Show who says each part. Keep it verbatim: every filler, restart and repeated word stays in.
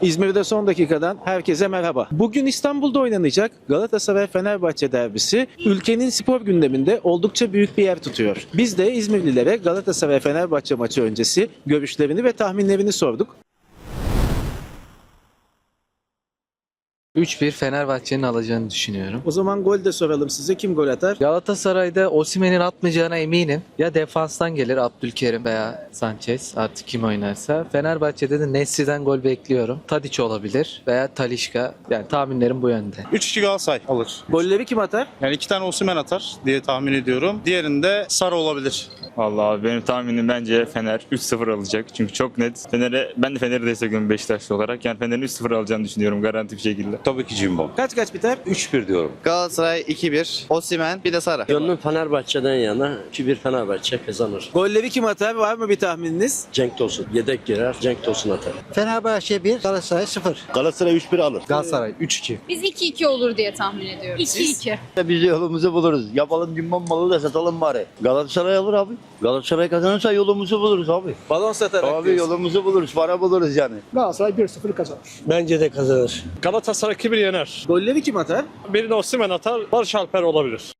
Speaker 1: İzmir'de son dakikadan herkese merhaba. Bugün İstanbul'da oynanacak Galatasaray-Fenerbahçe derbisi ülkenin spor gündeminde oldukça büyük bir yer tutuyor. Biz de İzmirlilere Galatasaray-Fenerbahçe maçı öncesi görüşlerini ve tahminlerini sorduk.
Speaker 2: üç bir Fenerbahçe'nin alacağını düşünüyorum.
Speaker 1: O zaman gol de soralım size. Kim gol atar?
Speaker 2: Galatasaray'da Osimhen'in atmayacağına eminim. Ya defanstan gelir Abdülkerim veya Sanchez, artık kim oynarsa. Fenerbahçe'de de Nesri'den gol bekliyorum. Tadiç olabilir veya Talisca. Yani tahminlerim bu yönde.
Speaker 3: üç iki Galatasaray alır.
Speaker 1: Golleri kim atar?
Speaker 3: Yani iki tane Osimhen atar diye tahmin ediyorum. Diğerinde Sara olabilir.
Speaker 4: Vallahi abi benim tahminim bence Fener üç sıfır alacak. Çünkü çok net. Fener'e ben de Fener'i destekliyorum Beşiktaşlı olarak. Yani Fener'in üç sıfır alacağını düşünüyorum garanti bir şekilde.
Speaker 5: Tabii ki Jimbo.
Speaker 1: Kaç kaç biter?
Speaker 5: üç bir diyorum.
Speaker 6: Galatasaray iki bir, Osimhen bir de Sara.
Speaker 7: Gönlüm Fenerbahçe'den yana. iki bir Fenerbahçe kazanır.
Speaker 1: Golleri kim atar? Var mı bir tahmininiz?
Speaker 7: Cenk Tosun yedek girer. Cenk Tosun atar.
Speaker 8: Fenerbahçe bir, Galatasaray sıfır.
Speaker 5: Galatasaray üç bir alır.
Speaker 2: Galatasaray üç iki.
Speaker 9: Biz iki iki olur diye tahmin ediyoruz. iki iki.
Speaker 5: Biz yolumuzu buluruz. Yapalım Jimbo malı da satalım bari. Galatasaray alır abi. Galatasaray kazanırsa yolumuzu buluruz abi.
Speaker 1: Balon satarak
Speaker 5: Abi
Speaker 1: diyorsun.
Speaker 5: yolumuzu buluruz, para buluruz yani.
Speaker 8: Galatasaray bir sıfır kazanır.
Speaker 7: Bence de kazanır.
Speaker 10: Galatasaray iki bir yener.
Speaker 1: Golleri kim atar?
Speaker 10: Birini Osimhen atar, Barış Alper olabilir.